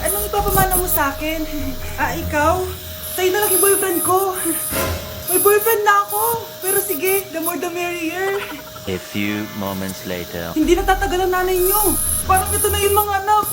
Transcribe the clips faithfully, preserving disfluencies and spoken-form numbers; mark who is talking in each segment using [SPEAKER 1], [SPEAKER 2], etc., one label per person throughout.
[SPEAKER 1] anong ipapamana mo sa akin? Ah, ikaw? Sa'yo na lang yung boyfriend ko. May boyfriend na ako. Pero sige, the more the merrier.
[SPEAKER 2] A few moments later.
[SPEAKER 1] Hindi natatagal ang nanay niyo. Parang ito na yung mga anak.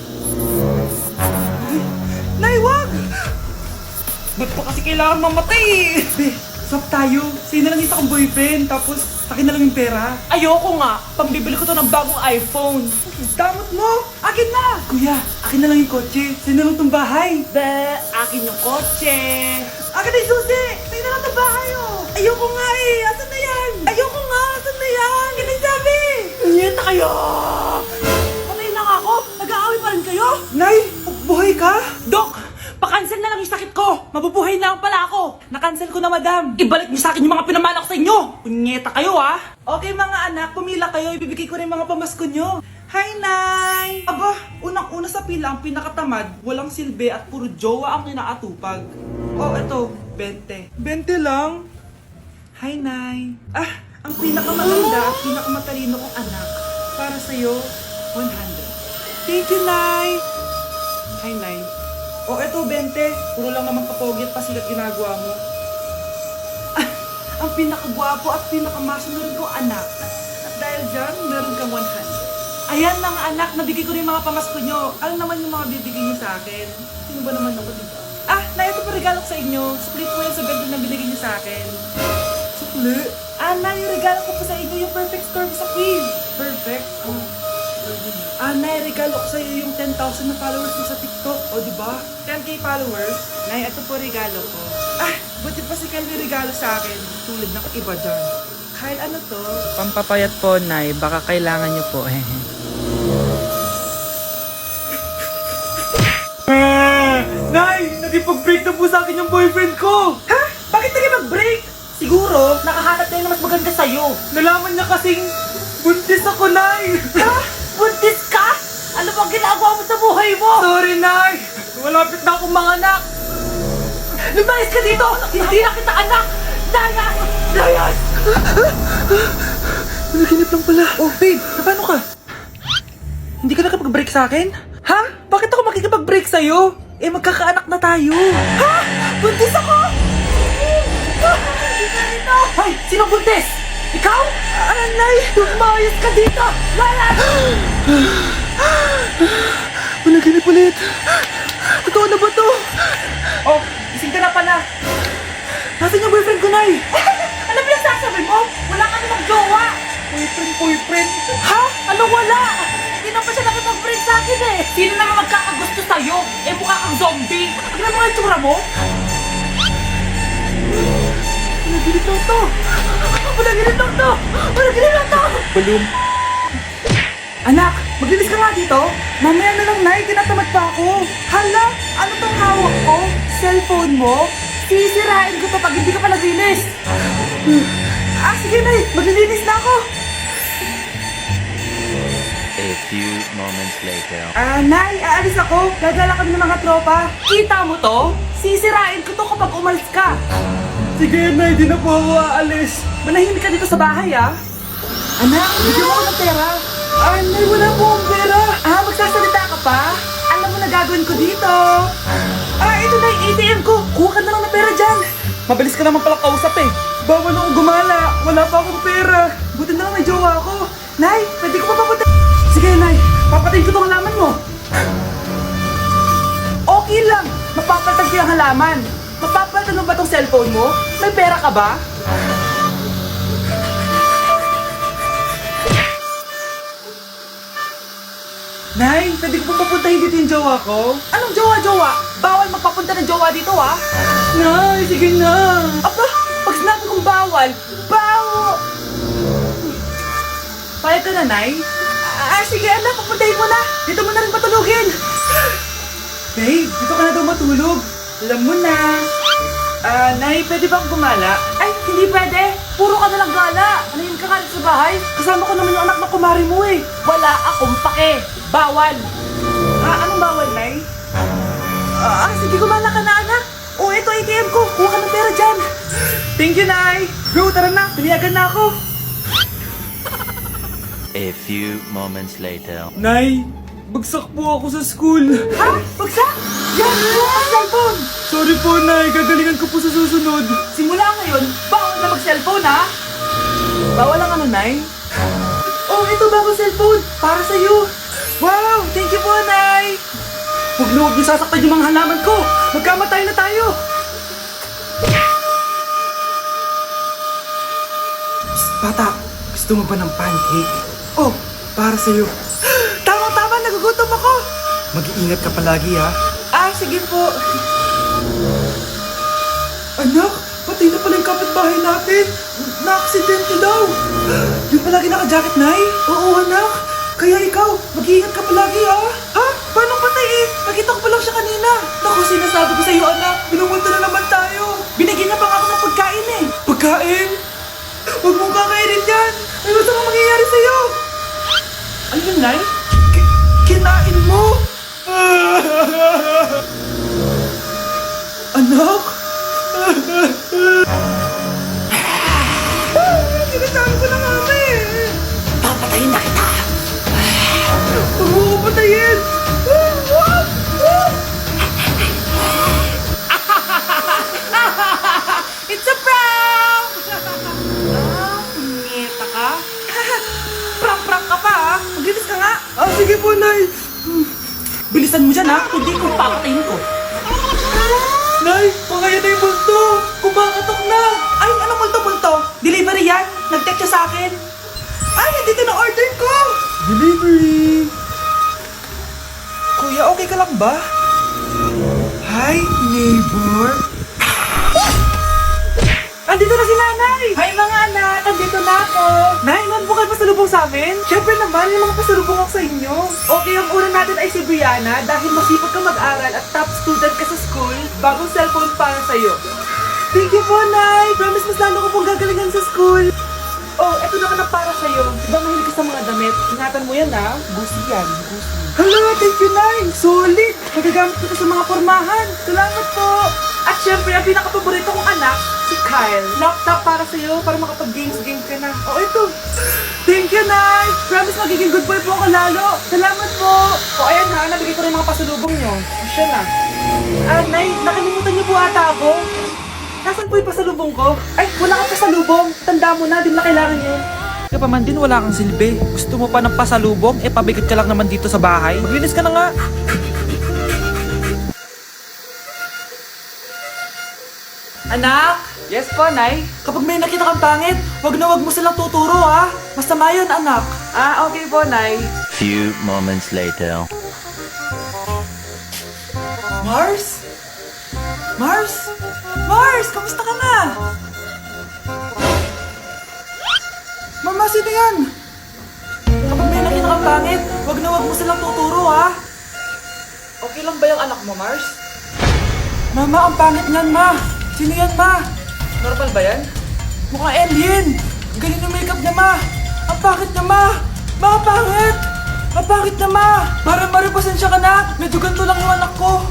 [SPEAKER 1] Nay, wag! Ba't pa kasi kailangan mamatay eh? Be, swap tayo. Sa'yo na lang isa kong boyfriend, tapos akin na lang yung pera.
[SPEAKER 3] Ayoko nga. Pambibili ko to ng bagong iPhone.
[SPEAKER 1] Damot mo! Akin na! Kuya, akin na lang yung kotse. Sa'yo na lang tong bahay.
[SPEAKER 3] Be, akin yung kotse.
[SPEAKER 1] Akin na yung susi! Sa'yo na lang tong bahay oh! Ayoko nga eh! Asan na yan? Ayoko nga! Asan na yan? Akin na yung sabi!
[SPEAKER 3] Niyeta kayo! Patay na nga ako. Nag-aaway pa rin kayo?
[SPEAKER 1] Nay, buhay ka?
[SPEAKER 3] Dok, pakancel na lang yung sakit ko. Mabubuhay na lang pala ako.
[SPEAKER 1] Nakancel ko na, madam.
[SPEAKER 3] Ibalik niyo sa akin yung mga pinamala ko sa inyo. Punyeta kayo ah.
[SPEAKER 1] Okay mga anak, pumila kayo. Ibibigay ko rin mga pamasko nyo. Hi, Nay! Aba, unang-una sa pila ang pinakatamad, walang silbi at puro jowa ang kinaatupag. Oh, eto, bente. bente lang? Hi, Nay. Ah, ang pinakamaganda at pinakamatalino kong anak. Para sa'yo, one hundred. Thank you, Nay! Hi, Nay. Oh, eto, bente. Puro lang naman kapogi at pasikat ginagawa mo. Ah, ang pinakagwapo at pinakamasunod kong anak. At dahil dyan, meron kang one hundred. Ayan na nga anak, nabigay ko rin mga pamasko nyo. Ano naman yung mga bibigay nyo sa akin? Sino ba naman ako, diba? Ah, na ito pa regalo ko sa inyo. Split po yan sa bento na binigay nyo sa akin. Sukli? Ah, na yung regalo ko po sa inyo, yung perfect storm sa quiz. Perfect? Oh. Ah, Nay, regalo ko sa iyo yung ten thousand na followers mo sa TikTok. O, di ba? ten K followers. Nay, ito po regalo ko. Ah, buti pa si Kyle may regalo sa akin. Tulad ng iba dyan. Kyle, ano to?
[SPEAKER 4] Pampapayat po, Nay. Baka kailangan niyo po.
[SPEAKER 1] Nay, nagipag-break na po sa akin yung boyfriend ko. Ha? Bakit nagipag-break? Siguro,
[SPEAKER 3] Nakahanap na yung mas maganda sa'yo.
[SPEAKER 1] nalaman niya kasing buntis ako, Nay.
[SPEAKER 3] Ha? Buntis ka? Ano bang ginagawa mo sa buhay mo?
[SPEAKER 1] Sorry, Nay. Malapit na akong manganak.
[SPEAKER 3] Lumayas ka dito! Hindi na kita anak! Layas! Layas!
[SPEAKER 1] Naginip lang pala. Oh, babe, paano ka? Hindi ka nakapag-break sa akin? Ha? Bakit ako makikipag-break sa'yo? Eh, magkakaanak na tayo. Ha? Buntis ako?
[SPEAKER 3] Hoy! Sino buntis? Ikaw?
[SPEAKER 1] Anay!
[SPEAKER 3] Lumayas ka dito! Layas!
[SPEAKER 1] Managinip ulit. Totoo na ba to?
[SPEAKER 3] Oh, gising ka na pala.
[SPEAKER 1] Nasaan yung boyfriend ko, Nay?
[SPEAKER 3] Ano pinagsasabi mo? Wala ka namang jowa!
[SPEAKER 1] Boyfriend, boyfriend.
[SPEAKER 3] Ha? Ano wala? Hindi na pa siya nakipag-friend sa akin eh! Sino naman magkakagusto sa'yo? Eh mukha kang zombie! Tignan mo nga yung tsura mo!
[SPEAKER 1] Managinip lang to.
[SPEAKER 3] Panaginip lang to! Panaginip lang to!
[SPEAKER 1] Balloon. Anak, maglinis ka nga dito. Mamaya na lang, Nay. Tinatamad pa ako. Hala, ano tong hawak ko? Cellphone mo? Sisirain ko to pag hindi ka pa naglinis. Hmm. Ah, sige, Nay. Maglilinis na ako.
[SPEAKER 2] A few moments later.
[SPEAKER 1] Ah, Nay, aalis ako. Gagala kami ng mga tropa.
[SPEAKER 3] Kita mo to? Sisirain ko to kapag umalis ka!
[SPEAKER 1] Sige, Nay. Di na po ako aalis.
[SPEAKER 3] Manahimik ka dito sa bahay ah!
[SPEAKER 1] Anak, bigyan mo ako ng pera. Ah, Nay, wala po akong pera.
[SPEAKER 3] Ah, magsasalita ka pa? Alam mo na gagawin ko dito!
[SPEAKER 1] Ah, ito na yung A T M ko. Kuha ka na lang ng pera dyan. Mabilis ka naman pala kausap eh. Bawal akong gumala. Wala pa akong pera. Buti na lang may jowa ako. Nay, pwede ko pa papunta. Sige, Nay. Papatayin ko tong halaman mo.
[SPEAKER 3] Okay lang! Mapapalitan ko yung halaman! Mapapalitan mo ba tong cellphone mo? May pera ka ba?
[SPEAKER 1] Nay, pwede ko pa papuntahin dito yung jowa ko?
[SPEAKER 3] Anong jowa-jowa? Bawal magpapunta ng jowa dito ah!
[SPEAKER 1] Nay, sige na.
[SPEAKER 3] Aba! Pag sinabi kong bawal, bawo!
[SPEAKER 1] Payag ka na, Nay?
[SPEAKER 3] Ah, sige anak, papuntahin mo na! Dito mo na rin patulugin!
[SPEAKER 1] Babe, dito ka na daw matulog. Alam mo na. Ah, Nay, pwede bang gumala?
[SPEAKER 3] Ay, hindi pwede! Puro ka nalang gala! Anayin ka nga rin sa bahay!
[SPEAKER 1] Kasama ko naman yung anak na kumari mo eh.
[SPEAKER 3] Wala akong pake! Bawal!
[SPEAKER 1] Ah, anong bawal, Nay?
[SPEAKER 3] Ah, sige, gumala ka na anak! O, ito A T M ko! Kuha ka ng pera dyan!
[SPEAKER 1] Thank you, Nay. Bro, tara na. Pinayagan na ako.
[SPEAKER 2] A few moments later.
[SPEAKER 1] Nay, bagsak po ako sa school.
[SPEAKER 3] Ha? Bagsak? Yan! Ano ang cellphone?
[SPEAKER 1] Sorry po, Nay. Gagalingan ko po sa susunod.
[SPEAKER 3] Simula ngayon, bawal na mag-cellphone, ha?
[SPEAKER 1] Bawal ang ano, Nay? Oh, ito bago cellphone. Para sa'yo. Wow! Thank you po, Nay. Huwag na huwag niyo sasaktan yung mga halaman ko. Magkamatay na tayo. Psst, bata. Gusto mo ba ng pancake? Oh, para sa'yo. Tama-tama, nagugutom ako. Mag-iingat ka palagi, ha? Ah, sige po. Anak, patay na pala yung kapitbahay natin. Na-aksidente daw. Yung palagi naka-jacket, Nay? Oo, anak. Kaya ikaw, mag-iingat ka palagi, ha? Ha? Paano patay eh? Nakita ko pa lang siya kanina. Naku, sinasabi ko sa'yo, anak. Binungunta na naman tayo. Binigyan niya pa nga ako ng pagkain eh. Pagkain? Huwag mong kakainin yan. Ano sa mga mangyayari sa'yo?
[SPEAKER 3] Ano yun, Nay?
[SPEAKER 1] Ki- kinain mo? Anak? Sinasabi ko na nga eh.
[SPEAKER 3] Papatayin na kita!
[SPEAKER 1] Huwag mo ko patayin.
[SPEAKER 3] It's a prank! ah, punyeta ka?
[SPEAKER 1] Prank-prank ka pa ha? Maglinis ka nga. Ah, sige po, Nay. Bilisan mo dyan ha.
[SPEAKER 3] Hindi ko papatayin ko.
[SPEAKER 1] Nay, pangaya na yung multo. Kumakatok na. Ay, anong multo-multo? Delivery yan. Nag-text siya sa akin. Ay, nandito na order ko. Delivery. Kuya, okay ka lang ba? Hi, neighbor. Andito na si nanay.
[SPEAKER 3] Hi mga anak! Andito na ako!
[SPEAKER 1] Nay, man po kayo pasalubong sa amin? Siyempre naman, yung mga pasalubong ako sa inyo.
[SPEAKER 3] Okay, ang una natin ay si Brianna dahil masipag ka mag-aral at top student ka sa school, bagong cellphone para sa'yo.
[SPEAKER 1] Thank you po, Nay. Promise mas lalo ko pong gagalingan sa school.
[SPEAKER 3] Oh, eto naman ang para sa'yo. Diba mahilig ka sa mga damit? Ingatan mo yan ha. Gusi yan. Gusi.
[SPEAKER 1] Hala, thank you, Nay. Solid. Magagamit ko to sa mga pormahan. Salamat po.
[SPEAKER 3] At syempre, ang pinaka-paborito kong anak, si Kyle. Laptop para sa'yo para makapag-games-games ka na.
[SPEAKER 1] Oh, ito. Thank you, Nay. Promise magiging good boy po ako lalo. Salamat po.
[SPEAKER 3] O ayan ha, nabigay ko rin mga pasalubong nyo. Siya na. Ah, Nay, nakalimutan niyo po ata ako. Nasaan po yung pasalubong ko? Ay, wala kang pasalubong. Tanda mo na, di mo na kailangan yun.
[SPEAKER 1] Kaya pa man din, wala kang silbi. Gusto mo pa ng pasalubong? Eh, pabigat ka lang naman dito sa bahay. Maglinis ka na nga.
[SPEAKER 3] Anak!
[SPEAKER 1] Yes po, Nay. Kapag may nakita kang pangit, wag na wag mo silang tuturo, ha? Masama yun, anak.
[SPEAKER 3] Ah, okay po, Nay.
[SPEAKER 2] Few moments later.
[SPEAKER 1] Mars? Mars? Mars, kamusta ka na? Mama, sino yan? Kapag may nakita kang pangit, wag na wag mo silang tuturo, ha?
[SPEAKER 3] Okay lang ba yung anak mo, Mars?
[SPEAKER 1] Mama, ang pangit niyan, ma. Sino yan, ma?
[SPEAKER 3] Normal ba yan?
[SPEAKER 1] Mukhang alien. Ang galing ng makeup niya, ma. Ang pangit niya, ma. Ma, ang pangit. Ang pangit niya, ma. Para maripasensya ka na. Medyo ganito lang yung anak ko.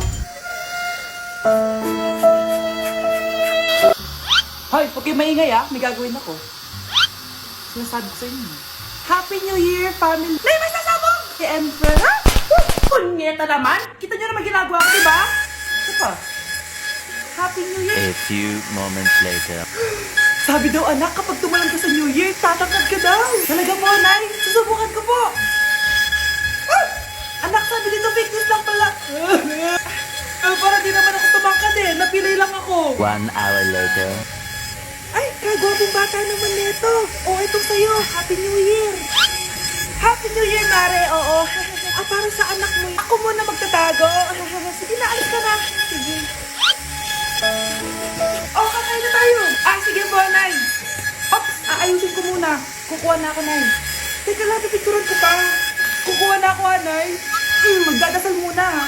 [SPEAKER 3] Hoy, huwag kayo maingay ah. May gagawin ako. Sinasabi ko sa inyo. Happy New Year, family! Nay, may sasabog! Si Emperor, ha? Woo! Punyeta naman! Kita nyo naman ginagawa ko, diba? Ito pa. Happy New Year!
[SPEAKER 2] A few moments later.
[SPEAKER 1] Sabi daw, anak, kapag tumalang ka sa New Year, tatangkad ka daw. Talaga po, Nay. Susubukan ko po. Ah! Anak, sabi dito, fake news lang pala. Eh, para di naman ako tumangkad eh. Napilay lang ako.
[SPEAKER 2] One hour later.
[SPEAKER 1] Ay, kagwapong bata naman nito. Oh, ito sa'yo. Happy New Year. Happy New Year, Mare. Oo. Ah, para sa anak mo. Ako muna magtatago. Sige na, alis ka na. Sige. Oh, kakain na tayo. Ah, sige po, Nay. Ops, aayusin ko muna. Kukuha na ako, Nay. Teka lang, pipicturan ko pa. Kukuha na ako, ha, Nay. Hmm, magdadasal muna, ha.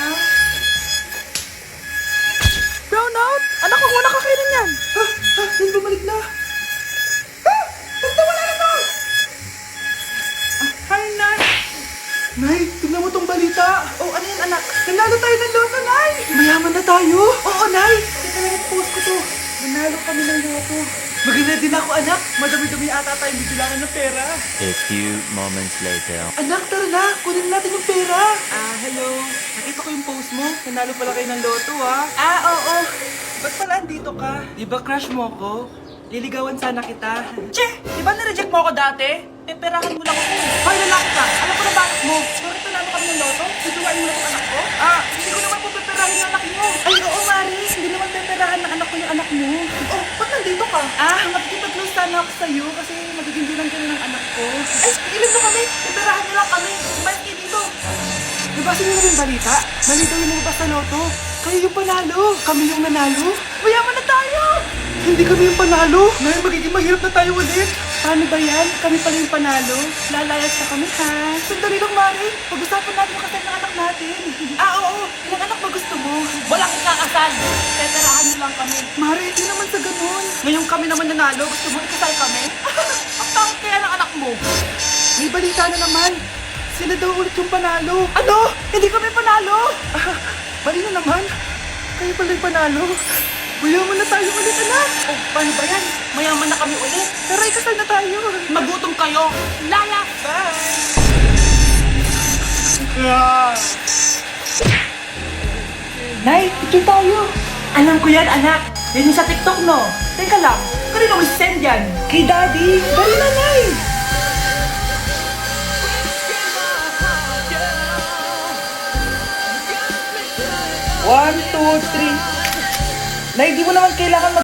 [SPEAKER 1] Brown out! Anak, huwag mo na kakainin yan! Ha? Ha? Yan bumalik na! Ha? Basta wala na to! Ah, hi, Nay! Nay, tignan mo tong balita! Oh, ano yan, anak? Nanalo tayo ng loto, Nay! Mayaman na tayo! Oo, Nay! Teka lang, post ko to. Nanalo kami ng loto. Maganda din ako, anak. Madami-dami ata tayong bibilangan ng pera.
[SPEAKER 2] A few moments later.
[SPEAKER 1] Anak, tara na. Kunin natin yung pera.
[SPEAKER 3] Ah,
[SPEAKER 1] hello. Nakita ko yung post mo. Nanalo pala kayo ng loto, ah.
[SPEAKER 3] Ah, oo.
[SPEAKER 1] Ba't pala andito ka? Di ba crush mo ko? Liligawan sana kita.
[SPEAKER 3] Che, di ba nireject mo ako dati? Peperahan mo lang ako. Hoy, lalaki ka. Alam ko na bakit mo. Bakit nanalo kami ng loto? Susuwain mo na itong anak ko?
[SPEAKER 1] Ah, hindi ko naman po peperahin yung anak niyo.
[SPEAKER 3] Ay, oo, Mari. Hindi naman peperahan ng anak ko yung anak mo.
[SPEAKER 1] Oh, ba't nandito ka?
[SPEAKER 3] Ah, makikipag-close sana ako sa'yo kasi magiging bilang ka ng anak ko.
[SPEAKER 1] Ay, ilan mo kami? Peperahan niyo lang kami. Umayos kayo dito. Nabasa niyo na yung balita? Mali daw yung lumabas sa loto. Kayo yung panalo. Kami yung nanalo.
[SPEAKER 3] Mayaman na tayo!
[SPEAKER 1] Hindi kami yung panalo. Ngayon magiging mahirap na tayo ulit.
[SPEAKER 3] Paano ba yan? Kami pala yung panalo. Lalayas na kami, ha?
[SPEAKER 1] Sandali lang, Mari.
[SPEAKER 3] Pag-usapan natin yung kasal ng anak natin.
[SPEAKER 1] Ah, oo. Ilang anak ba gusto mo?
[SPEAKER 3] Walang ikakasal. Peperahan niyo lang kami.
[SPEAKER 1] Mari, hindi naman sa ganun.
[SPEAKER 3] Ngayon kami naman nanalo. Gusto mo ikasal kami? Ang tawag kaya ng anak mo.
[SPEAKER 1] May balita na naman. Sila daw ulit yung panalo.
[SPEAKER 3] Ano? Hindi kami panalo.
[SPEAKER 1] Ah, mali na naman. Kayo pala yung panalo. Mayaman na tayo ulit, anak.
[SPEAKER 3] Oh, paano ba yan? Mayaman na kami ulit.
[SPEAKER 1] Tara, ikasal na tayo.
[SPEAKER 3] Magutom kayo. Laya! Nay, picture tayo. Alam ko yan, anak. Yan yung sa TikTok, no? Teka lang, kanino mo send yan? Kay Daddy. Dali na, Nay.
[SPEAKER 1] One, two, three. Nay, di mo naman kailangan mag-